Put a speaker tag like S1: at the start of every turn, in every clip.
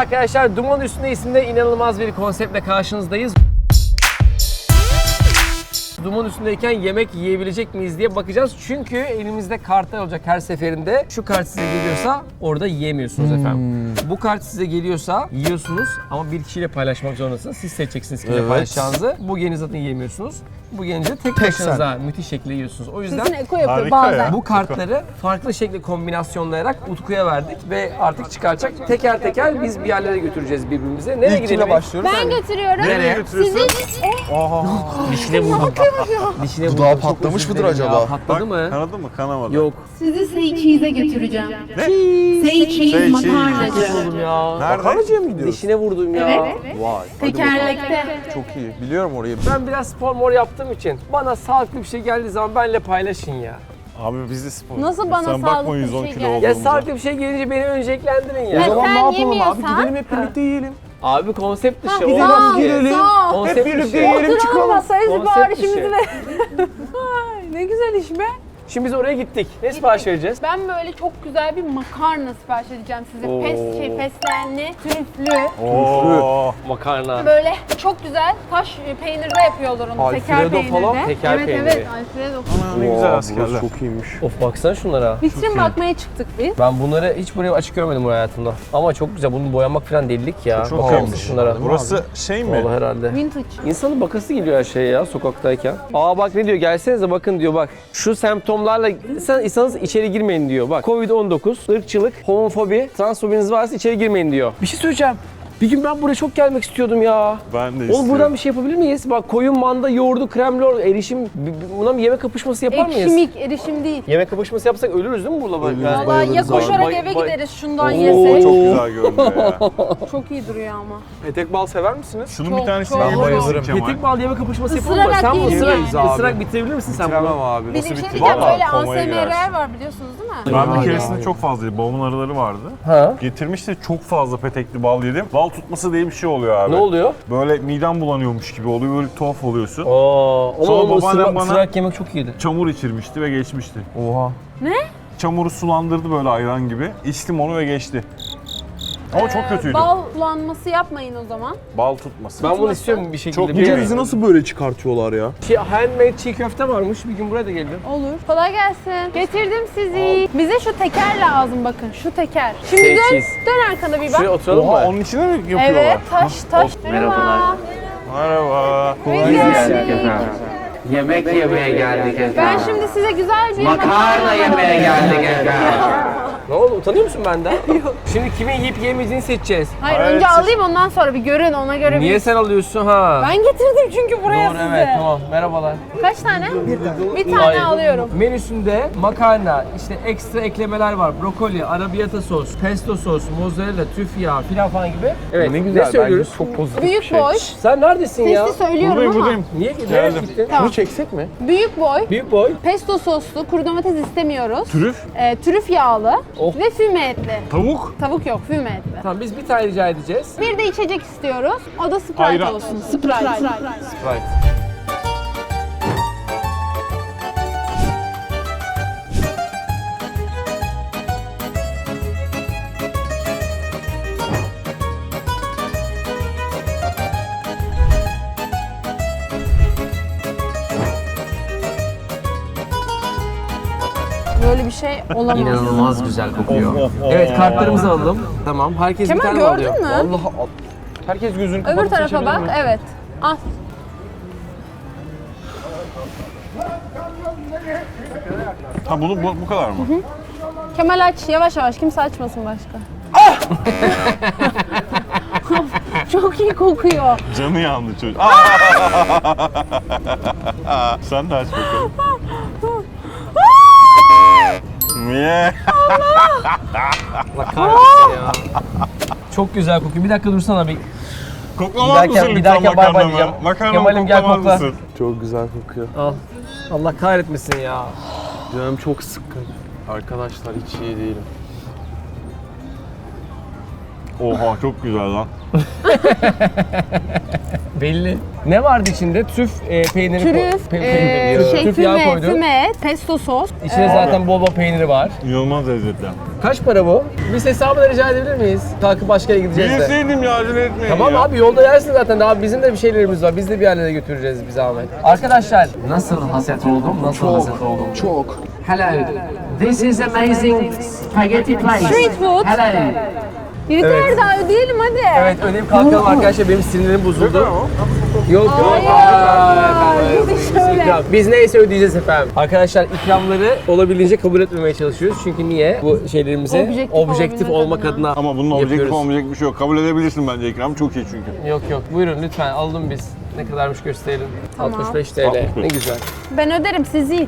S1: arkadaşlar, Duman Üstünde isimde inanılmaz bir konseptle karşınızdayız. Duman üstündeyken yemek yiyebilecek miyiz diye bakacağız. Çünkü elimizde kartlar olacak her seferinde. Şu kart size geliyorsa orada yiyemiyorsunuz efendim. Bu kart size geliyorsa yiyorsunuz ama bir kişiyle paylaşmak zorundasınız. Siz seçeceksiniz kiminle paylaşacağınızı. Bu gelince zaten yiyemiyorsunuz. Bu gelince tek başınıza müthiş şekilde yiyorsunuz. O yüzden
S2: Sizin eko yapıyor
S3: Harika
S2: bazen.
S3: ya.
S1: bu kartları farklı şekilde kombinasyonlayarak Utku'ya verdik ve artık çıkaracak. Teker teker biz bir yerlere götüreceğiz birbirimize. Nereye
S4: İlk
S1: gidelim?
S4: kimle başlıyoruz?
S2: Ben götürüyorum.
S1: Nereye
S3: götürüyorsun?
S1: Dişine vurdum. Dişine
S4: Dudağı
S1: vurdum. Çok
S4: patlamış
S1: özür
S4: mıdır
S1: dilerim ya.
S4: acaba?
S1: Patladı mı?
S3: Kanadı mı? Kanamadı.
S1: Yok.
S5: Sizi Say Cheese'e götüreceğim.
S3: Ne?
S5: Say Cheese
S3: Say
S5: makarnacı.
S1: Vurdum ya.
S3: Nerede?
S4: Makarnacıya mı gidiyoruz?
S1: Dişine vurdum ya.
S5: Evet.
S4: Vay.
S5: Tekerlekte.
S4: Çok iyi. Biliyorum orayı.
S1: Ben biraz spor mor yaptığım için bana sağlıklı bir şey geldiği zaman benimle paylaşın ya.
S3: Abi biz de spor.
S2: Nasıl bana
S3: Sen bakma
S2: sağlıklı bir
S3: 110
S2: şey
S3: kilo
S2: geldi?
S1: Ya
S3: olduğumuza.
S1: sağlıklı bir şey gelince beni önceliklendirin ya.
S2: Evet.
S4: O zaman
S2: sen
S4: ne yapalım abi?
S2: yemiyorsan-
S4: Gidelim hep birlikte yiyelim.
S1: Abi konsept dışı.
S4: gidelim,
S1: olmaz ki.
S4: gidelim.
S1: Konsept
S4: Hep birlikte
S1: dışı.
S4: yiyelim,
S2: Oturalım
S4: çıkalım.
S2: masaya
S1: Konsept
S2: siparişimizi
S1: dışı.
S2: verelim. Ay, ne güzel iş be.
S1: Şimdi biz oraya gittik. Ne sipariş vereceğiz?
S2: Ben böyle çok güzel bir makarna sipariş edeceğim size.
S1: Oo.
S2: Fesleğenli, trüflü.
S3: Oo.
S1: Makarna.
S2: Böyle çok güzel taş peynirde yapıyorlar onu. Teker
S4: Alfredo
S2: peynirde.
S4: falan,
S1: teker
S2: evet,
S1: peyniri.
S2: Evet, Alfredo.
S3: Ne güzel askerler.
S4: Burası çok iyiymiş.
S1: Of baksana şunlara.
S2: Vitrin bakmaya çıktık biz.
S1: Ben bunları hiç buraya açık görmedim bu hayatımda. Ama çok güzel. Bunu boyamak falan delilik ya.
S3: Çok
S1: Bakar
S3: iyiymiş.
S1: mısın şunlara?
S3: Burası şey mi?
S1: Vallahi herhalde.
S2: Vintage.
S1: İnsanın bakası geliyor her şeye ya sokaktayken. Aa bak ne diyor, gelsenize bakın diyor bak. Şu semptomlarla insanız içeri girmeyin diyor. Bak Covid-19, ırkçılık, homofobi, transfobiniz varsa içeri girmeyin diyor. Bir şey söyleyeceğim. Bir gün ben buraya çok gelmek istiyordum ya.
S3: Ben de
S1: Oğlum
S3: istiyorum.
S1: buradan bir şey yapabilir miyiz? Bak koyun, manda, yoğurdu, kremlor, erişim, buna bir yemek kapışması yapar mıyız?
S2: Ekşimik, erişim değil.
S1: Yemek kapışması yapsak ölürüz değil mi burada?
S4: Ölürüz,
S1: Yani?
S2: Vallahi ya koşarak
S1: Bay-
S2: eve
S1: bay-
S2: gideriz şundan
S1: Oo.
S2: yesek.
S3: Çok güzel görünüyor ya.
S2: Çok iyi duruyor ama.
S4: Petek bal sever misiniz?
S3: Şunun
S2: Çok,
S3: bir tanesini
S2: çok.
S3: yiyebilir
S2: Ben
S3: misin
S4: bayılırım.
S3: Kemal?
S1: Petek bal yeme kapışması yapalım mı?
S2: Isırarak
S1: Sen bunu
S2: yiyelim
S1: ısırarak,
S4: yani.
S1: ısırarak bitirebilir misin sen
S4: Bitiremem
S1: bunu?
S4: abi.
S2: Bir de bir şey
S3: bitti?
S2: diyeceğim,
S3: Vallahi
S2: böyle
S3: komaya
S2: ASMR
S3: girersin.
S2: var biliyorsunuz değil mi?
S3: Ben bir
S1: Vay
S3: keresinde
S1: vay.
S3: çok fazlaydı. Babamın arıları vardı.
S1: Ha?
S3: Getirmişti, çok fazla petekli bal yedim. Bal tutması diye bir şey oluyor abi.
S1: Ne oluyor?
S3: Böyle midem bulanıyormuş gibi oluyor. Böyle tuhaf oluyorsun.
S1: Ama
S3: Sonra
S1: onu
S3: babaannem bana-
S1: ısırarak yemek çok iyiydi.
S3: Çamur içirmişti ve geçmişti.
S4: Oha.
S3: Çamuru sulandırdı böyle ayran gibi. İçtim onu ve geçti. Ama çok kötüydü.
S2: Bal bulanması yapmayın o zaman.
S3: Bal tutması.
S1: Ben bunu istiyorum bir şekilde.
S3: Çok
S1: Bir
S3: iyi.
S1: yere.
S4: Bizi nasıl böyle çıkartıyorlar ya?
S1: Handmade çiğ köfte varmış. Bir gün buraya da gelelim.
S2: Olur. Kolay gelsin. Getirdim sizi. Bize şu teker lazım bakın. Şu teker. Şimdi
S1: Say
S2: dön,
S1: cheese.
S2: dön arkana bir bak.
S1: Şuraya oturalım
S3: Oha
S1: mı?
S3: onun içine mi yapıyorlar?
S2: Evet, taş.
S1: Merhabalar.
S3: Merhaba.
S2: Biz geldik.
S6: Yemek yemeye geldik efendim.
S2: Ben şimdi size güzel bir
S6: Makarna yemeye geldik efendim.
S1: Ne oldu? Utanıyor musun benden? Yok. Şimdi kimin yiyip yemeyeceğini seçeceğiz.
S2: Hayır,
S3: Evet,
S2: önce
S3: siz-
S2: alayım ondan sonra bir görün ona göre
S1: Niye
S2: bir...
S1: sen alıyorsun ha?
S2: Ben getirdim çünkü buraya
S1: Doğru
S2: size.
S1: evet tamam. Merhabalar.
S2: Kaç tane? Bir tane
S1: Hayır.
S2: alıyorum.
S1: Menüsünde makarna, işte ekstra eklemeler var. Brokoli, arrabbiata sos, pesto sos, mozzarella, trüf yağı filan falan gibi. Evet.
S4: Ne güzel.
S1: söylüyoruz?
S4: Bence çok pozitif
S2: Büyük
S4: bir şey.
S2: boy.
S1: Sen neredesin ya?
S2: Sesli söylüyorum
S3: Buradayım
S2: ama.
S3: buradayım.
S1: Niye nereye
S3: Geldim.
S1: gittin?
S2: Tamam.
S4: Bunu çeksek mi?
S2: Büyük boy.
S1: Büyük boy.
S2: Pesto soslu, kuru domates istemiyoruz.
S3: Trüf,
S2: Trüf yağlı
S1: Oh.
S2: ve füme etli.
S3: tavuk,
S2: Tavuk yok, füme etli.
S1: Tamam biz bir tane rica edeceğiz.
S2: Bir de içecek istiyoruz. O da Sprite
S3: Ayran.
S2: olsun. Sprite.
S1: Right.
S2: Böyle bir şey olamaz.
S6: İnanılmaz güzel kokuyor.
S1: Evet kartlarımızı alalım. Tamam. Herkes
S2: Kemal,
S1: bir tane
S2: gördün
S1: alıyor.
S2: mü?
S1: Vallahi al. Herkes gözünü kapatıp
S2: Öbür tarafa
S1: seçebilir
S2: bak.
S1: mi?
S2: Evet. Al.
S3: Ha bu kadar mı?
S2: Kemal aç. Yavaş yavaş. Kimse açmasın başka. Çok iyi kokuyor.
S3: Canı yandı çocuk. Sen de aç bakalım. Niye?
S1: Allah kahretsin ya. Çok güzel kokuyor. Bir dakika dursana bir.
S3: Koklamaz mısın
S1: Bir
S3: lütfen
S1: derken bay bay
S3: makarnamı?
S1: diyeceğim.
S3: Makarnamı
S1: Kemal'im gel
S3: koklamaz
S1: kokla.
S3: mısın?
S4: Çok güzel kokuyor.
S1: Al. Allah kahretmesin ya.
S4: Canım çok sıkkın. Arkadaşlar hiç iyi değilim.
S3: Oha çok güzel lan.
S1: Belli. Ne vardı içinde? Trüf peyniri
S2: Trüf,
S1: peyniri. Trüf yağı
S2: füme,
S1: koydun.
S2: füme, pesto sos.
S1: İçinde zaten bol bol peyniri var.
S3: İnanılmaz lezzetli.
S1: Kaç para bu? Biz hesabını rica edebilir miyiz? Kalkıp başka yere gideceğiz de.
S3: Bilseydim ya acele etmeyin
S1: Tamam
S3: ya.
S1: abi yolda yersin zaten. Daha bizim de bir şeylerimiz var. Biz de bir yerlere götüreceğiz bir zahmet. Arkadaşlar nasıl haset oldum? Nasıl haset oldum?
S4: Çok.
S6: Hello. This is amazing spaghetti place.
S2: Street food.
S6: Hello.
S2: Yeter daha ödeyelim hadi.
S1: Evet ödeyip kalkalım arkadaşlar. Benim sinirlerim bozuldu. Yok yok.
S2: Hayır. Şöyle.
S1: İkram. Biz neyse ödeyeceğiz efendim. Arkadaşlar ikramları olabildiğince kabul etmemeye çalışıyoruz. Çünkü niye? Bu şeylerimizi
S2: Objektif
S1: objektif
S2: olabilmek
S1: olmak
S2: adına.
S1: adına
S3: Ama bunun objektif
S1: yapıyoruz.
S3: olmayacak bir şey yok. Kabul edebilirsin bence ikram. Çok iyi çünkü.
S1: Yok yok. Buyurun lütfen alalım biz. Ne kadarmış gösterelim.
S2: Tamam.
S1: 65 TL.
S3: 65.
S1: Ne güzel.
S2: Ben öderim siz yiyin.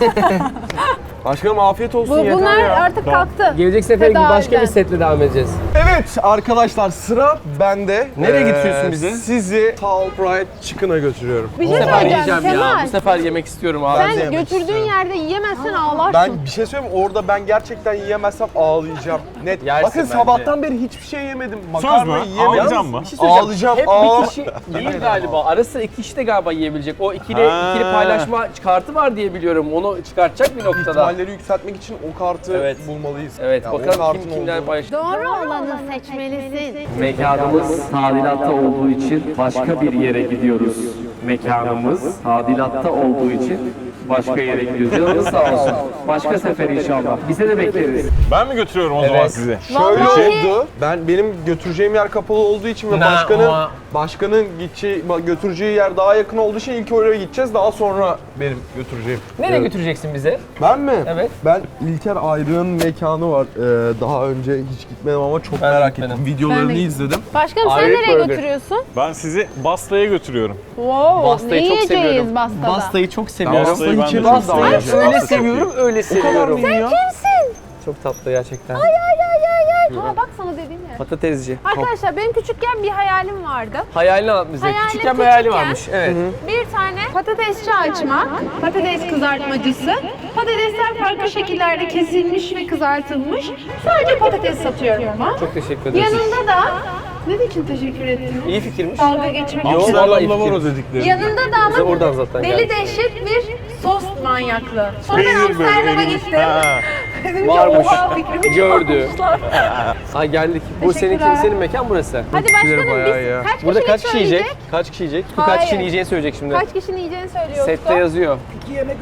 S4: Başkanım afiyet olsun yeter
S2: Bunlar
S4: ya.
S2: artık kalktı.
S1: Gelecek sefer
S2: Tedariden.
S1: başka bir setle devam edeceğiz.
S4: Evet arkadaşlar sıra bende.
S1: Nereye götürüyorsun bizi?
S4: Sizi Tall Fried Chicken'a götürüyorum.
S2: Bir
S1: Bu
S2: şey
S1: sefer
S2: söyleyeceğim
S1: yiyeceğim ya.
S2: Kemal.
S1: Bu sefer yemek istiyorum abi.
S4: Ben de
S2: Sen
S4: yemek
S2: götürdüğün
S4: istiyorum.
S2: yerde yiyemezsen ağlarsın.
S4: Ben bir şey söyleyeyim mi? Orada ben gerçekten yiyemezsem ağlayacağım. Net.
S1: Yersin
S4: Bakın
S1: bence.
S4: sabahtan beri hiçbir şey yemedim.
S3: Söz
S4: Makarna
S3: mü?
S4: yiyemedim.
S3: Ağlayacağım mı?
S1: Bir şey söyleyeceğim.
S4: Ağlayacağım.
S1: Hep
S4: Aa.
S1: bir kişi değil galiba. Ara sıra iki kişi de galiba yiyebilecek. O ikili paylaşma kartı var diye biliyorum. Onu çıkartacak bir noktada.
S4: İhtimalleri yükseltmek için o kartı
S1: Evet.
S4: bulmalıyız.
S1: Evet
S4: Ya o
S1: bakalım
S4: kartın
S1: kim kimler
S4: olduğunu-
S1: paylaşacak.
S2: Doğru olanı seçmelisin.
S6: Mekanımız tadilatta olduğu için başka bir yere gidiyoruz. Mekanımız tadilatta olduğu için başka yere gidiyoruz. Canınız sağ olsun. Başka sefer inşallah. Bize de bekleriz.
S3: Ben mi götürüyorum o zaman
S1: Evet.
S3: sizi?
S4: Şöyle
S2: Vallahi-
S4: oldu. Benim götüreceğim yer kapalı olduğu için ve başkanın götüreceği yer daha yakın olduğu için ilk oraya gideceğiz. Daha sonra benim götüreceğim.
S1: Nereye götüreceksin bizi?
S4: Ben mi?
S1: Evet.
S4: Ben İlker Ayrık'ın mekanı var. Daha önce hiç gitmedim ama çok
S1: Ben de
S4: merak
S1: gitmedim.
S4: ettim. Videolarını
S2: Ben de-
S4: izledim.
S2: Başkanım sen
S1: Ayrık
S2: nereye
S1: burger.
S2: götürüyorsun?
S3: Ben sizi Basta'ya götürüyorum.
S2: Wow,
S1: Bastayı
S2: ne
S1: çok
S2: yiyeceğiz
S1: seviyorum.
S2: Bastada?
S1: Bastayı çok
S4: Ben
S1: seviyorum.
S3: Bastayı ben de
S4: içerim
S3: çok
S4: daha
S3: seviyorum.
S4: önce.
S1: Öyle
S3: Basta çok
S1: seviyorum, öyle seviyorum.
S4: ya.
S1: Çok tatlı gerçekten.
S2: Ha bak sana dediğim yer.
S1: Patatesci.
S2: Arkadaşlar benim küçükken bir hayalim vardı.
S1: Hayalini anlat bize.
S2: Hayalim
S1: Küçükken bir hayali
S2: küçükken-
S1: varmış. Evet.
S2: Bir tane patatesçi açmak, patates kızartmacısı. Patatesler farklı şekillerde kesilmiş ve kızartılmış. Sadece patates satıyorum ama.
S1: Çok teşekkür ederiz.
S2: Yanında da ne için teşekkür ettin?
S1: İyi fikirmiş.
S2: Dalga geçmek
S1: Yok,
S2: için.
S1: vallahi
S3: Amsterdam'da var o
S1: fikir.
S3: dedikleri.
S2: Yanında da
S1: Bize
S2: ama
S1: oradan zaten
S2: deli
S1: geldi.
S2: dehşet bir sos manyaklığı. Sonra ben
S3: Peynir böyle
S2: Amsterdam'a
S3: erimiş.
S2: gittim.
S3: Ha.
S2: Dedim ki
S1: Varmış.
S2: oha fikrimi
S1: Gördü.
S2: çalmışlar.
S1: Ha geldik. Bu
S2: Teşekkürler.
S1: senin mekan burası.
S2: Hadi başkanım
S4: bayağı
S2: biz
S4: ya.
S2: kaç
S1: Burada
S2: kişilik
S1: kaç kişi yiyecek?
S2: söyleyecek?
S1: Kaç kişi yiyecek? Bu
S2: Hayır.
S1: kaç kişinin yiyeceğini söyleyecek şimdi.
S2: Kaç kişinin yiyeceğini söylüyor
S1: Sette
S2: Utku.
S1: yazıyor.
S3: 2 yemek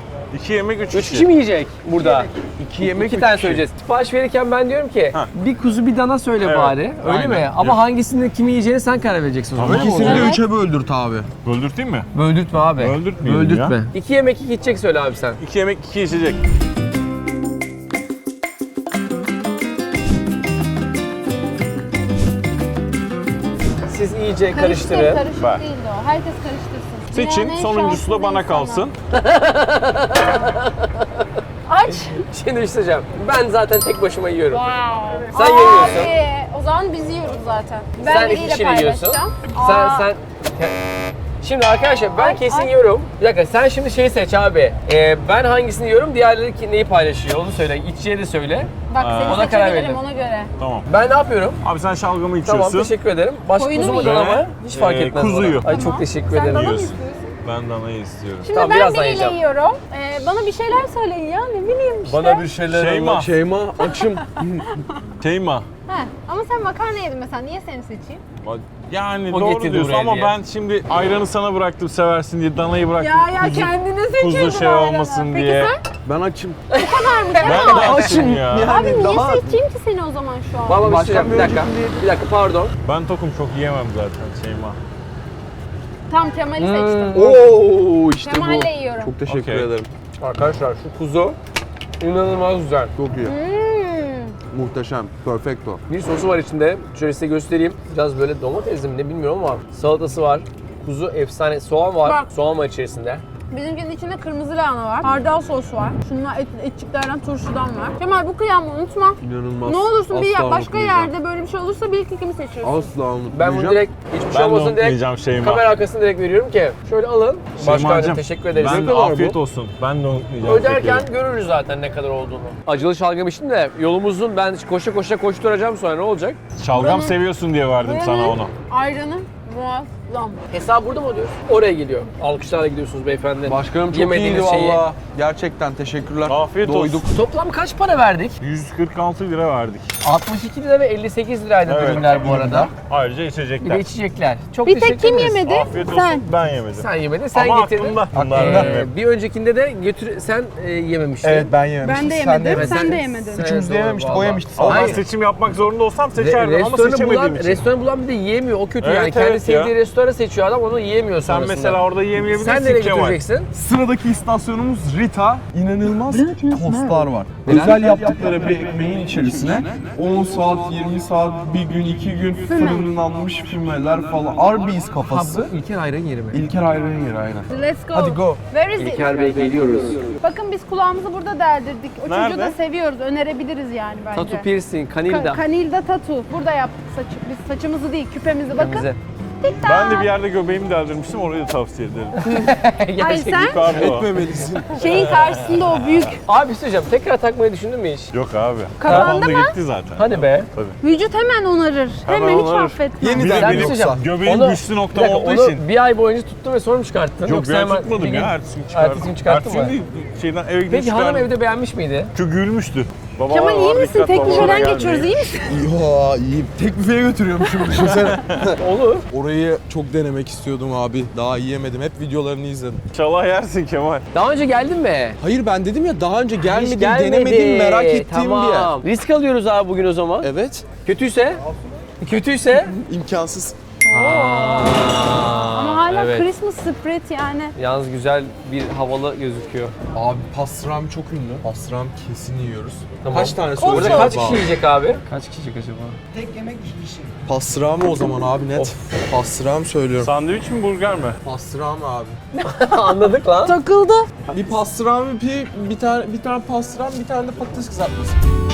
S3: 3
S1: 3 kişi mi yiyecek burada?
S4: 2 yemek
S1: 2 tane söyleyeceğiz. Sipariş verirken ben diyorum ki
S3: Ha.
S1: bir kuzu bir dana söyle
S3: Evet,
S1: bari. Öyle
S3: aynen.
S1: mi? Ama
S3: Evet.
S1: hangisini kimi yiyeceğini sen karar vereceksin o zaman.
S3: Öyle mi
S4: İkisini de
S2: Evet.
S4: 3'e böldürt abi.
S3: Böldürteyim mi?
S1: Böldürtme abi.
S3: Böldürtmeyelim
S1: Böldürtme.
S3: ya.
S1: 2 yemek 2 içecek söyle abi sen.
S3: 2 yemek 2 içecek.
S1: Siz iyice
S2: Karıştır,
S1: karıştırın.
S2: karışık
S3: Bak.
S2: değildi o. Herkes karıştırsın.
S3: Seçin,
S2: Dünyanın en
S3: sonuncusu da
S2: şanssız
S3: bana
S2: insanı.
S3: kalsın.
S2: Aç.
S1: Şimdi isteyeceğim. Ben zaten tek başıma yiyorum.
S2: Wow.
S1: Sen yemiyorsun.
S2: Abi, o zaman biz yiyoruz zaten. Ben
S1: Sen
S2: biriyle
S1: 2 kişiyle yiyorsun.
S2: paylaşacağım.
S1: Sen
S2: Aa,
S1: sen Şimdi arkadaşlar ben
S2: Ay,
S1: kesin
S2: ay.
S1: yiyorum. Bir dakika sen şimdi şeyi seç abi. Ben hangisini yiyorum, diğerleri neyi paylaşıyor onu söyle. İçeceği de söyle.
S2: Bak
S3: Aa.
S2: seni
S1: Ona karar
S2: seçebilirim
S1: verelim.
S2: ona göre.
S3: Tamam.
S1: Ben ne yapıyorum?
S3: Abi sen şalgamı
S1: Tamam
S3: içiyorsun.
S1: teşekkür ederim. Başka
S2: Koyunu
S1: kuzu
S2: mu
S1: mu dana mı?
S3: yiyorsun?
S1: Hiç fark etmez
S3: Kuzuyu.
S1: bana. Ay çok teşekkür
S2: Sen
S1: ederim.
S2: bana mı
S3: Yiyorsun.
S2: istiyorsun?
S3: Ben danayı istiyorum.
S2: Şimdi
S1: Tamam,
S2: ben
S1: birazdan
S2: biriyle
S1: yiyeceğim.
S2: yiyorum. Bana bir şeyler söyleyin ya ne bileyim işte.
S1: Bana bir şeyler
S3: Şeyma.
S4: Şeyma açım.
S3: Şeyma.
S2: He, ama sen makarna yedin mesela niye seni seçeyim?
S3: Yani
S1: O
S3: doğru
S1: getirdi
S3: diyorsun
S1: buraya
S3: ama
S1: diye.
S3: ben şimdi ayranı sana bıraktım seversin diye, danayı bıraktım. kuzu,
S2: kendine seçiyorsun
S3: kuzu şey
S2: ayranı.
S3: olmasın
S2: Peki
S3: diye.
S4: Ben açım.
S3: Ben de açım ya.
S2: Abi niye
S4: daha-
S2: seçeyim ki seni o zaman şu an?
S1: Baba bir
S4: Başkan
S1: şey bir
S4: bir
S1: dakika.
S4: önceki
S1: Bir dakika pardon.
S3: Ben tokum, çok yiyemem zaten Şeyma.
S2: Tam Kemal'i seçtim.
S4: Oo işte
S2: Kemal'le
S4: bu.
S2: yiyorum.
S4: Çok teşekkür
S3: Okey.
S4: ederim.
S1: Arkadaşlar şu kuzu inanılmaz güzel.
S4: Çok iyi.
S2: Hmm.
S4: Muhteşem. Perfecto.
S1: Bir sosu var içinde. Şöyle size göstereyim. Biraz böyle domatesli mi ne bilmiyorum ama salatası var. Kuzu efsane. Soğan var.
S2: Bak.
S1: Soğan var içerisinde.
S2: Bizimkinin içinde kırmızı lahana var. Hardal sos var. Şunlar etçiklerden turşudan var. Kemal bu kıyamı unutma.
S4: İnanılmaz.
S2: Ne olursun bir
S4: Asla
S2: başka
S4: unutmayacağım.
S2: yerde böyle bir şey olursa bir iki kimi seçiyorsun.
S4: Asla unutmayacağım.
S1: Ben bunu direkt hiçbir şey
S3: Ben de
S1: olmasın direkt
S3: unutmayacağım Şeyma.
S1: kamera arkasını direkt veriyorum ki şöyle alın. Başkanım
S3: Şeymacığım,
S1: teşekkür ederiz.
S3: Ben
S1: Ne
S3: de
S1: kadar
S3: afiyet
S1: bu?
S3: olsun. Ben de unutmayacağım.
S1: Öderken
S3: şekerim.
S1: görürüz zaten ne kadar olduğunu. Acılı şalgam içtim de yolumuzun ben koşa koşa koşturacağım sonra ne olacak?
S3: Şalgam seviyorsun diye verdim sana
S2: Buranın
S3: onu.
S2: Ayranı muaz. Lam.
S1: Hesap burada mı ödüyoruz? Oraya geliyor. Alkışlarla gidiyorsunuz beyefendi.
S4: Başkanım çok
S1: Yemediğiniz
S4: iyiydi
S1: şeyi.
S4: valla. Gerçekten teşekkürler.
S3: Afiyet olsun.
S4: Doyduk.
S1: Toplam kaç para verdik?
S3: 146 lira verdik.
S1: 62 lira ve 58 liraydı
S3: Evet.
S1: ürünler bu arada.
S3: Ayrıca
S1: Bir de
S3: içecekler.
S1: içecekler. Çok
S2: Bir tek
S1: teşekkür
S2: kim
S1: ederiz.
S2: yemedi?
S3: Afiyet olsun.
S2: Sen.
S3: Ben yemedim.
S1: Sen yemedin, sen
S3: Ama
S1: getirdin.
S3: aklımda. Bunlardan
S1: Bir öncekinde de sen yememiştin.
S4: Evet ben yememiştim.
S2: Ben de
S4: Sen
S2: yemedim.
S1: Evet,
S2: Sen de yemedin.
S4: Üçümüz de
S1: doğru,
S4: yememiştik. O
S1: vallahi.
S4: yemişti.
S3: Ama ben
S1: Hayır.
S3: seçim yapmak zorunda olsam seçerdim ama
S1: Restoranı
S3: seçemediğim
S1: bulan,
S3: için.
S1: restoranı bulan bir de yiyemiyor. O kötü
S3: Evet,
S1: yani. Kendi
S3: evet
S1: sevdiği
S3: ya.
S1: restoranı seçiyor adam, onu yiyemiyor
S3: Sen
S1: sonrasında.
S3: mesela orada yiyemeyebilirsin
S1: Sen nereye
S3: Kemal.
S1: götüreceksin?
S4: Sıradaki istasyonumuz Rita. İnanılmaz tostlar var.
S1: Neler?
S4: Özel yaptıkları bir ekmeğin içerisine 10 saat, 20 saat, bir gün, 2 gün fırınlanmış fümeler falan. Arby's kafası.
S1: İlker ayran yeri mi?
S4: İlker ayranın yeri aynen.
S2: Let's go.
S4: Hadi go.
S2: Where is it?
S6: İlker Bey geliyoruz.
S2: Bakın biz kulağımızı burada deldirdik. O çocuğu
S3: Nerede?
S2: da seviyoruz. Önerebiliriz yani bence.
S1: Tatu piercing, kanilda.
S2: Kanilda tatu. Burada yaptık saçı. Biz saçımızı değil, küpemizi. Bakın.
S1: Bize.
S2: Tik-tak.
S3: Ben de bir yerde göbeğimi deldirmiştim, orayı da tavsiye ederim.
S2: Hayır sen
S3: Yukarıda o.
S2: şeyin karşısında o büyük
S1: Abi bir şey söyleyeceğim. Tekrar takmayı düşündün mü hiç?
S3: Yok abi.
S2: Kafanda
S3: Kafamda
S2: mı?
S3: gitti zaten.
S1: Hadi be.
S2: vücut hemen onarır. Hemen hiç
S3: onarır.
S2: affetmez.
S3: Bir de
S4: Yeniden
S3: benim
S1: bir şey söyleyeceğim.
S3: göbeğim
S1: Onu-
S3: güçlü
S1: Bir
S3: noktam
S1: dakika,
S3: olduğu
S1: onu
S3: için.
S1: bir ay boyunca tuttun ve sonra mı çıkarttın?
S3: Yok
S1: Yoksa
S3: ben
S1: hemen
S3: tutmadım
S1: bir gün-
S3: ya, ertesi gün çıkardım.
S1: Ertesi gün çıkarttın mı?
S3: Ertesi gün şeyden eve gidip
S1: Peki hanım
S3: çıkardım.
S1: evde beğenmiş miydi?
S3: Çünkü gülmüştü. Baba
S2: Kemal iyi
S3: var,
S2: misin?
S3: dikkat,
S2: Tek
S3: babalara
S2: büfeden
S3: gelmeyin.
S2: geçiyoruz. İyi misin?
S4: Ya iyiyim. Tek büfeye götürüyormuşum düşünsene.
S1: Olur.
S4: Orayı çok denemek istiyordum abi. Daha yiyemedim. Hep videolarını izledim.
S3: İnşallah yersin Kemal.
S1: Daha önce geldin mi?
S4: Hayır ben dedim ya daha önce
S1: Hiç
S4: gelmedim,
S1: gelmedi.
S4: denemedim, merak ettiğim bir yer.
S1: Tamam. Risk alıyoruz abi bugün o zaman.
S4: Evet.
S1: Kötüyse? Kötüyse?
S4: İmkansız.
S2: Ama hala
S1: evet.
S2: Christmas spread yani.
S1: Yalnız güzel bir havalı gözüküyor.
S4: Abi pastrami çok ünlü. Pastrami kesin yiyoruz.
S1: Tamam.
S4: Kaç tane
S1: Burada
S4: söyleyeceğim?
S1: kaç kişi yiyecek abi? Kaç kişi yiyecek acaba?
S4: Pastrami o zaman abi net. Pastrami söylüyorum.
S3: Sandviç mi burger mi?
S4: Pastrami abi.
S1: Anladık lan.
S2: Takıldı.
S4: Bir pastrami, bir tane pastrami, bir tane de patates kızartması.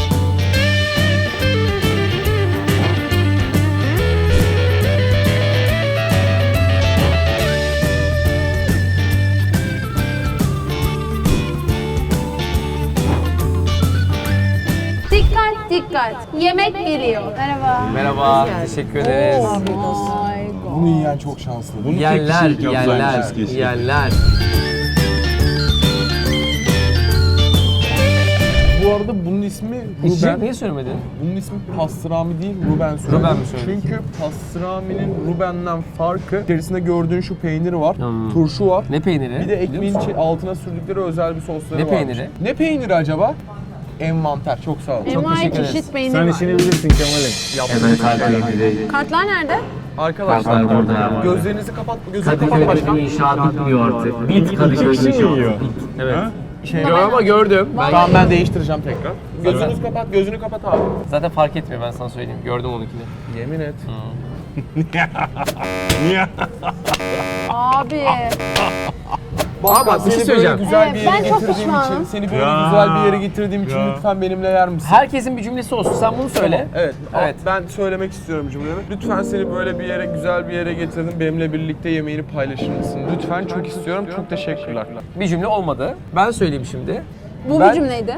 S2: Dikkat dikkat. Yemek geliyor. Merhaba.
S1: Merhaba. Teşekkür ederiz.
S4: Bunu yiyen çok şanslı. Bunu
S1: Yerler, yerler.
S4: Bu arada bunun ismi
S1: İçecek
S4: Ruben.
S1: niye söylemedin?
S4: Bunun ismi pastrami değil, Ruben söyledi.
S1: Ruben mi söyledi?
S4: Çünkü pastraminin Ruben'den farkı içerisinde gördüğün şu peynir var, turşu var.
S1: Ne peyniri?
S4: Bir de ekmeğin altına sürdükleri özel bir sosları
S1: Ne
S4: var.
S1: peyniri?
S4: Ne peyniri acaba? Envanter. Çok sağ ol.
S2: Envai
S1: teşekkür ederiz.
S2: çeşit peynir
S3: Sen
S2: var.
S3: işini bilirsin Kemal'im.
S6: Hemen kalbimizde.
S2: Kartlar nerede?
S4: Arkadaşlar
S6: Kartlar burada.
S4: gözlerinizi kapat, gözünü kapat
S6: Kadıköy'de
S4: başkan.
S6: bir inşaat bitmiyor artık. Bit Kadıköy'de inşaat.
S1: Evet.
S3: Ha?
S1: Yo, ama gördüm.
S4: Tamam ben değiştireceğim tekrar. Gözünü kapat, gözünü kapat abi.
S1: Zaten fark etmiyor, ben sana söyleyeyim. Gördüm onunkini.
S4: Yemin et.
S3: Niye?
S2: Abi.
S1: Bak, bir şey söyleyeceğim.
S4: Güzel bir
S2: Evet,
S4: yere
S2: ben çok
S4: getirdiğim
S2: pişmanım.
S4: için, seni böyle
S3: Ya.
S4: güzel bir yere getirdiğim için
S3: Ya.
S4: lütfen benimle yer misin?
S1: Herkesin bir cümlesi olsun. Sen bunu söyle.
S4: Evet,
S1: Evet.
S4: ben söylemek istiyorum cümlemi. Lütfen seni böyle bir yere, güzel bir yere getirdim. Benimle birlikte yemeğini paylaşır mısın? Lütfen, çok istiyorum. Çok teşekkürler.
S1: Bir cümle olmadı. Ben söyleyeyim şimdi.
S2: Bu
S1: Ben-
S2: bir cümleydi.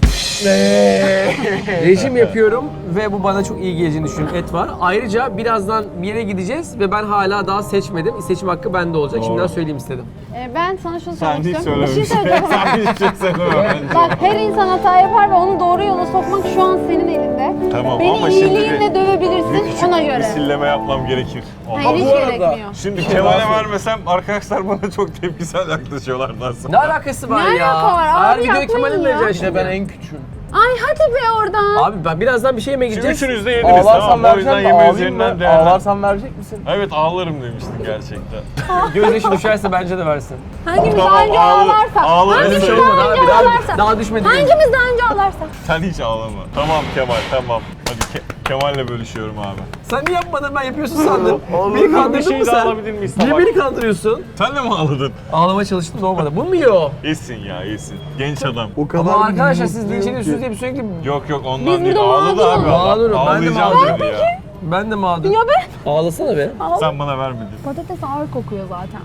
S1: Rejim yapıyorum ve bu bana çok iyi geleceğini düşünüyorum. Et var. Ayrıca birazdan bir yere gideceğiz ve ben hala daha seçmedim. Seçim hakkı bende olacak.
S3: Doğru.
S1: Şimdiden söyleyeyim istedim.
S2: Ben sana şunu
S3: Sen
S2: söylemek
S3: hiç
S2: istiyorum. Bir şey
S3: söylememişsin.
S2: söyleyeceğim.
S3: Sen hiç şey söylemedin.
S2: Bak her insan hata yapar ve onu doğru yola sokmak şu an senin elinde.
S3: Tamam
S2: Beni
S3: ama şimdi
S2: iyiliğinle
S3: bir
S2: dövebilirsin
S3: küçük
S2: ona
S3: bir
S2: göre.
S3: silleme yapmam gerekir.
S2: Hayır hiç
S4: bu arada-
S2: gerekmiyor.
S3: Şimdi Kemal'e vermesem arkadaşlar bana çok tepkisel yaklaşıyorlar nasıl?
S1: Ne alakası var
S2: Ne
S1: ya?
S2: alaka var?
S1: Her
S2: Abi
S1: videoyu
S2: yapmayın
S1: Kemal'e mi
S2: ya.
S1: vereceksin
S4: İşte
S1: şimdi?
S4: ben en küçüğüm.
S2: Ay hadi be oradan.
S1: Abi ben birazdan bir şey yemeye
S3: Şimdi
S1: gideceğiz.
S3: üçünüz de yediniz
S4: Ağlarsan
S3: tamam o yüzden
S4: vereceğim mi?
S3: yemeği
S4: Ağlayayım
S3: üzerinden
S4: mı?
S3: değerlendir.
S4: Ağlarsan verecek misin?
S3: Evet ağlarım demiştin gerçekten.
S1: Gözyaşı düşerse bence de versin.
S2: Hangimiz
S3: Tamam,
S2: daha önce
S3: ağlarım.
S2: ağlarsa.
S3: Ağlarım.
S1: Öyle bir
S2: Hangimiz
S1: şey
S2: daha
S1: olmadı
S2: önce
S1: abi.
S2: ağlarsa.
S1: Daha düşmedi.
S2: Hangimiz daha önce ağlarsa.
S3: Sen hiç ağlama. Tamam Kemal tamam. Hadi Kemal'le bölüşüyorum abi.
S1: Sen niye yapmadın, ben yapıyorsun sandım. Beni
S3: Ağlarım bir
S1: kandırdın
S3: şey
S1: mı
S3: de
S1: sen?
S3: alabilir miyiz?
S1: Niye
S3: Tabak.
S1: beni kandırıyorsun?
S3: Sen de mi ağladın?
S1: Ağlamaya çalıştım da olmadı. Bunu mu yiyor?
S3: İyisin ya iyisin. Genç adam.
S4: O kadar
S1: Ama arkadaşlar siz linç ediyorsunuz diye bir sürekli...
S3: Yok ondan
S2: Biz
S3: değil.
S2: burada
S3: Ağladı abi adam.
S1: mağdurum, ben de
S3: Ağlayacağım
S1: mağdurum.
S3: dedi ya.
S1: Ben de mağdur.
S2: Ya be.
S1: Ağlasana be.
S3: Sen bana vermedin.
S2: Patates ağır kokuyor zaten.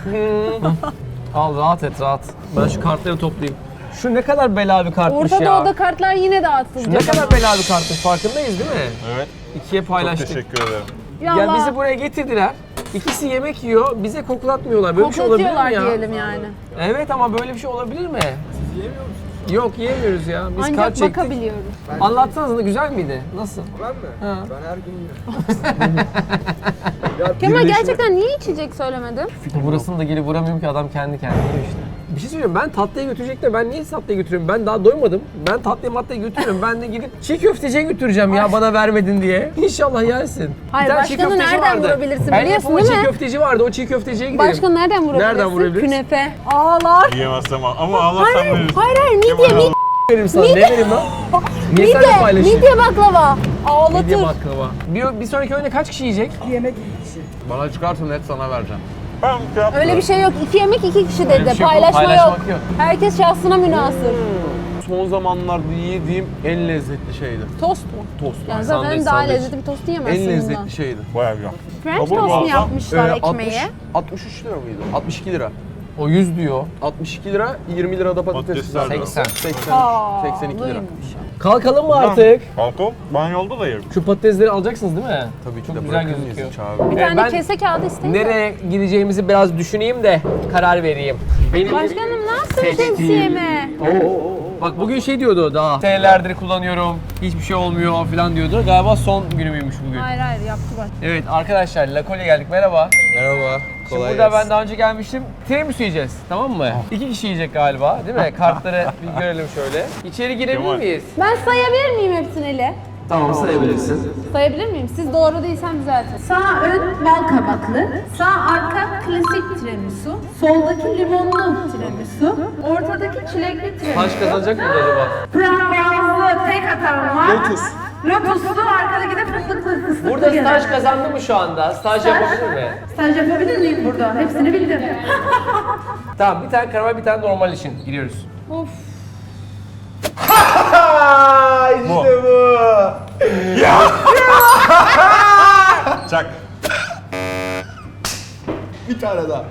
S1: Al rahat et rahat. Ben şu kartları toplayayım. Şu ne kadar bela bir kartmış
S2: Orta
S1: ya.
S2: Doğu'da kartlar yine dağıtılacak.
S1: Şu ne kadar bela bir kartmış, farkındayız değil mi?
S3: Evet.
S1: İkiye
S3: Çok
S1: paylaştık.
S3: teşekkür ederim.
S2: Ya
S1: Ya
S2: Allah.
S1: bizi buraya getirdiler. İkisi yemek yiyor, bize koklatmıyorlar. Böyle bir şey olabilir mi
S2: Koklatıyorlar
S1: ya?
S2: diyelim yani.
S1: Evet ama böyle bir şey olabilir mi? Siz yiyemiyor musunuz? Yok yiyemiyoruz ya. Biz kart
S2: Ancak
S1: çektik.
S2: bakabiliyoruz.
S1: Anlatsanıza güzel miydi? Nasıl?
S7: Ben mi?
S1: Ha.
S7: Ben her gün yiyorum.
S2: Kemal gerçekten niye içecek söylemedin?
S1: Burasını da gelip vuramıyorum ki adam kendi kendine yiyor işte. Bir şey söyleyeyim, ben tatlıya götürecek de ben niye tatlıya götürüyorum? Ben daha doymadım. Ben tatlıya maddeye götürüyorum. Ben de gidip çiğ köfteciye götüreceğim ya bana vermedin diye. İnşallah yersin.
S2: Hayır,
S1: Bir tane çiğ
S2: başkanı
S1: köfteci
S2: nereden
S1: vardı.
S2: vurabilirsin
S1: El
S2: biliyorsun
S1: yapımı
S2: değil
S1: çiğ
S2: mi?
S1: köfteci vardı. O çiğ köfteciye gidelim.
S2: Başkanı nereden vurabilirsin?
S1: Nereden vurabiliriz?
S2: Künefe. Ağlar.
S3: Yiyemezsem ama ağlarsam veririz.
S2: Hayır midye,
S3: Kemal
S2: midye,
S1: Vereyim sana. Ne vereyim lan? Niye seninle
S2: midye,
S1: paylaşayım?
S2: midye baklava. Ağlatır.
S1: Midye baklava. Bir sonraki oyunda kaç kişi yiyecek?
S4: Bana çıkarsa net sana vereceğim.
S3: Ben şey yapmıyorum.
S2: Öyle bir şey yok. 2 yemek 2 kişi
S1: Öyle bir
S2: dedi.
S1: şey yok,
S2: Paylaşma yok.
S1: paylaşmak yok.
S2: Herkes şahsına münasır.
S4: Son zamanlarda yediğim en lezzetli şeydi.
S2: Tost mu?
S4: Tost.
S2: Yani
S1: Sandviç,
S2: zaten daha
S1: sandviç.
S2: lezzetli bir tost yiyemezsin
S4: En
S2: bundan.
S4: lezzetli şeydi.
S3: Bayağı güzel.
S2: French
S3: Kabul
S2: toast mu
S3: mu?
S2: yapmışlar ekmeği?
S4: 63 lira mıydı? 62 lira.
S1: O 100 diyor.
S4: 62 lira, 20 lirada patates
S3: Patatesler
S4: kızartması.
S3: de.
S1: 80.
S4: 82 lira.
S1: Kalkalım mı artık?
S3: Kalkalım. Ben yolda da yerim.
S1: Şu patatesleri alacaksınız değil mi?
S4: Tabii ki
S1: Çok
S4: de
S1: güzel
S4: bırakır mıyız
S1: gözüküyor.
S4: hiç abi?
S2: Bir tane
S1: ben
S2: kese kağıdı isteyin de.
S1: Nereye gideceğimizi biraz düşüneyim de karar vereyim. Benim
S2: Başkanım ne yaptın
S1: Seçtiğim.
S2: şemsiyeme?
S1: Bak bugün şey diyordu daha. Senelerdir kullanıyorum. Hiçbir şey olmuyor falan diyordu. Galiba son günümüymüş bugün.
S2: Hayır yaptı bak.
S1: Evet arkadaşlar La Colle'ye geldik. Merhaba.
S4: Merhaba.
S1: Şimdi burada ben daha önce gelmiştim. Tiramisu yiyeceğiz. Tamam mı? 2 kişi yiyecek galiba değil mi? Kartları bir görelim şöyle. İçeri girebilir
S3: Kemal.
S1: miyiz?
S2: Ben sayabilir miyim hepsini?
S1: Tamam sayabilirsin.
S2: Sayabilir miyim? Siz doğru değilsem düzeltin.
S5: Sağ ön bal kabaklı, sağ arka klasik tiramisu, soldaki limonlu tiramisu, ortadaki çilekli tiramisu.
S1: Taş kazanacak mı acaba?
S5: Frambuazlı tek atan var.
S4: Lotus.
S5: Lotuslu, arkadaki de fıstıklı
S1: Burada
S5: gelen.
S1: staj kazandı mı şu anda? Staj yapabilir mi?
S5: Staj yapabilir miyim burada? Hepsini bildim.
S1: Tamam bir tane karamel bir tane normal için giriyoruz.
S2: Of.
S3: Bu. Çak.
S4: Bir tane daha.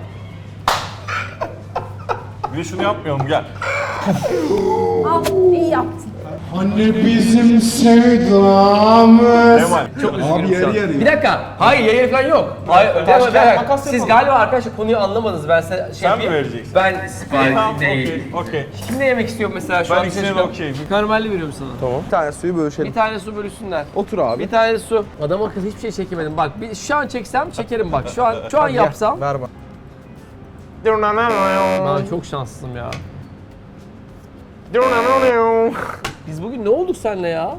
S3: Bir de şunu yapmayalım gel.
S2: Al, iyi yaptın.
S8: Anne bizim sevdamız.
S3: Kemal.
S1: Çok üzgünüm
S4: yarı
S1: şu an.
S4: yarıya.
S1: Bir dakika. Hayır yarı falan yok. Hayır,
S4: Taş,
S1: bir
S4: kağıt,
S1: dakika.
S4: makas
S1: Siz
S4: yapalım.
S1: galiba arkadaşlar konuyu anlamadınız. Ben size şey
S3: Sen mi
S1: yapayım.
S3: vereceksin?
S1: Ben sipariş
S3: Tamam
S1: değil.
S3: okey.
S1: Kim ne yemek istiyor mesela şu
S3: Ben
S1: an?
S3: ikisine de
S1: Şaşkın.
S3: okeyim.
S1: Karamelli veriyorum sana.
S4: Tamam. Bir tane suyu bölüşelim.
S1: Bir tane su bölüşsünler.
S4: Otur abi.
S1: Bir tane su. Adam akıllı hiçbir şey çekemedim. Bak şu an çeksem çekerim bak. Şu an yapsam.
S4: Ver bak.
S1: Ben çok şanslıyım ya. Biz bugün ne olduk seninle ya?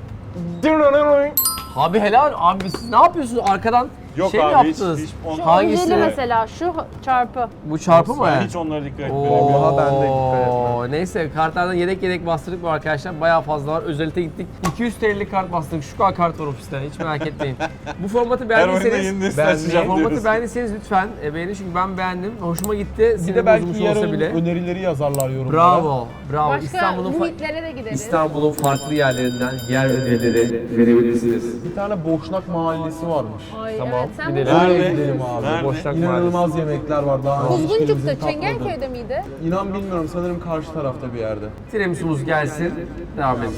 S1: Abi helal abi siz ne yapıyorsunuz arkadan
S3: Yok
S1: şey mi
S3: abi hiç,
S1: yaptınız?
S3: hiç
S2: Şu
S1: Hangisi?
S2: önceli mesela şu çarpı.
S1: Bu çarpı mı?
S3: Ben hiç onlara dikkat etmedim.
S4: Daha ben de dikkat
S1: Oo, neyse kartlardan yedek bastırdık bu arkadaşlar. Bayağı fazla var. Özelite gittik. 200 TL'lik kart bastırdık. Şu kadar kart var ofiste. Hiç merak etmeyin. Bu formatı
S3: Her oyunda
S1: beğendiyseniz
S3: yeni nesil açacağım
S1: formatı
S3: diyoruz.
S1: beğendiyseniz lütfen beğenin çünkü ben beğendim. Hoşuma gitti.
S4: Bir
S1: Sinir
S4: de belki
S1: bozmuş olsa
S4: yarın
S1: bile.
S4: önerileri yazarlar yorumlara.
S1: Bravo. Bravo.
S2: Başka
S1: İstanbul'un
S2: muhitlere de gideriz.
S1: İstanbul'un farklı yerlerinden yer önerileri verebilirsiniz.
S4: Bir tane Boşnak Mahallesi varmış.
S2: Ay,
S1: Tamam,
S2: evet, sen
S1: gidelim.
S2: bu-
S3: Nerede?
S4: Gidelim abi.
S3: Nerede?
S1: Boşnak
S4: İnanılmaz yemekler var daha önce hiçbirimizin
S2: Kuzguncuk'ta,
S4: tatmadığı.
S2: Çengelköy'de miydi?
S4: İnan bilmiyorum sanırım karşı tarafta bir yerde.
S1: Tiramisu'muz gelsin. Devam edelim.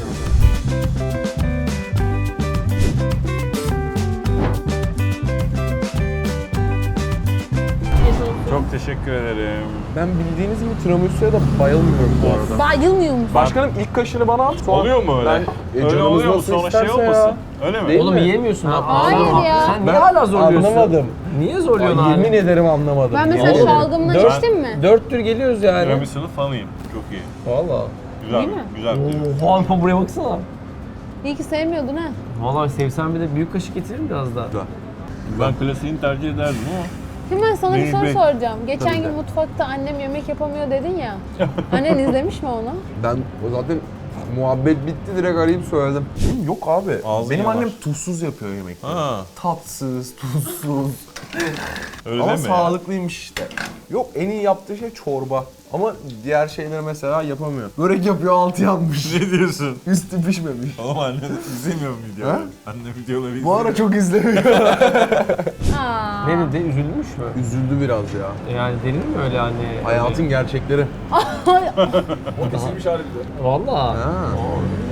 S3: Çok teşekkür ederim.
S4: Ben bildiğiniz gibi tiramisu'ya da bayılmıyorum bu arada.
S2: Bayılmıyor musun?
S4: Başkanım ilk kaşını bana at. Sonra
S3: Oluyor mu öyle?
S4: Ben,
S3: öyle
S4: canımız
S3: oluyor mu?
S4: nasıl
S3: Sonra şey
S4: isterse ya.
S3: olmasın. Öyle mi?
S4: Değil
S1: Oğlum
S4: mi?
S1: yiyemiyorsun ha.
S2: Hayır ya.
S1: Sen niye
S4: Ben
S1: hala zorluyorsun?
S4: anlamadım.
S1: Niye zorluyorsun abi?
S4: Yemin ederim anlamadım.
S2: Ben mesela
S1: Oğlum,
S2: şalgamdan
S1: dört-
S2: içtim mi?
S1: 4 tür geliyoruz yani.
S3: Tiramisu'nun fanıyım. Çok iyi.
S1: Valla.
S3: Güzel.
S2: Değil mi?
S3: Güzel.
S1: Oha buraya baksana.
S2: İyi ki sevmiyordun ha.
S1: Valla sevsem bir de büyük kaşık getiririm biraz daha.
S3: Ben klasiğini tercih ederdim ama.
S2: Hemen sana bir
S3: Neyi
S2: soru
S3: bek-
S2: soracağım. Geçen
S4: Tabii
S2: gün
S4: de.
S2: mutfakta annem yemek yapamıyor dedin ya. Annen izlemiş mi onu?
S4: Ben o zaten muhabbet bitti direkt arayıp söyledim. Yok abi.
S3: Ağzı
S4: Benim
S3: yanar.
S4: annem tuzsuz yapıyor yemekleri.
S3: Ha.
S4: Tatsız, tuzsuz.
S3: Öyle
S4: Ama
S3: deme ya.
S4: sağlıklıymış işte. Yok en iyi yaptığı şey çorba. Ama diğer şeyleri mesela yapamıyor. Börek yapıyor altı yanmış.
S3: Ne diyorsun?
S4: Üstü pişmemiş.
S3: Oğlum anne izlemiyor mu videoları?
S4: Ha?
S3: Anne videoları izlemiyor.
S4: Bu ara çok izlemiyor.
S2: Aa.
S1: Ne dedi? Üzülmüş mü?
S4: Üzüldü biraz ya.
S1: Yani denir mi öyle hani?
S4: Hayatın gerçekleri.
S1: Valla.
S4: Ha.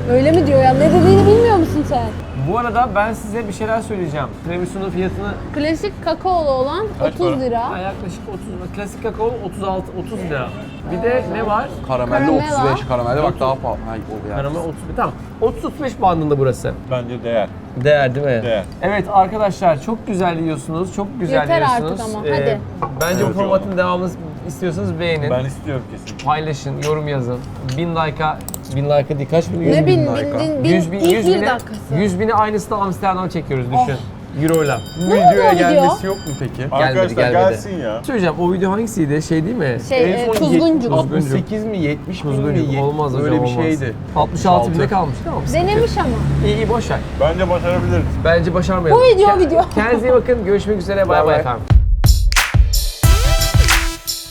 S7: Öyle mi diyor ya? Ne dediğini bilmiyor musun sen?
S1: Bu arada ben size bir şeyler söyleyeceğim. Tiramisu'nun fiyatını
S7: Klasik kakaolu olan
S3: Kaç
S7: 30
S3: para?
S7: lira.
S1: yaklaşık 30, klasik kakao 30 lira. Bir de ne var?
S4: Karamelli
S7: Karamel
S4: 35, karamelli bak daha pahalı. Hay, o yani.
S1: Karamel 30, tamam. 30-35 bandında burası.
S3: Bence değer.
S1: Değer değil mi?
S3: Değer.
S1: Evet arkadaşlar çok güzel yiyorsunuz, çok güzel
S7: Yeter
S1: yiyorsunuz.
S7: artık ama, hadi.
S1: Bence bu
S3: Evet,
S1: formatın devamını istiyorsanız beğenin.
S3: Ben istiyorum kesin.
S1: Paylaşın, yorum yazın. 1000 like'a, 1000 like'a değil kaç bin? 100
S7: Ne bin,
S4: dakika.
S7: bin, bin,
S1: 100 bin,
S7: ilk
S1: 100
S7: bir
S1: bine,
S7: dakikası.
S1: 100 bini aynısını Amsterdam çekiyoruz düşün. Euro'yla.
S7: Ne oldu
S4: Videoya
S7: o video?
S4: gelmesi yok mu peki?
S3: Arkadaşlar
S1: gelmedi.
S3: gelsin ya.
S1: Söyleyeceğim o video hangisiydi? Şey değil mi?
S7: Tuzguncuk.
S4: 68 mi 70 bin mi?
S1: Tuzguncuk olmaz hocam,
S4: Öyle bir
S1: olmaz.
S4: şeydi.
S1: 66 binde kalmış tamam mı?
S7: Denemiş ama.
S1: İyi boş ver.
S3: Bence başarabiliriz.
S1: Bence başarmayalım.
S7: Bu video.
S1: Kendinize iyi bakın. Görüşmek üzere. Bay
S4: Bay
S1: bay
S4: bay.
S1: efendim.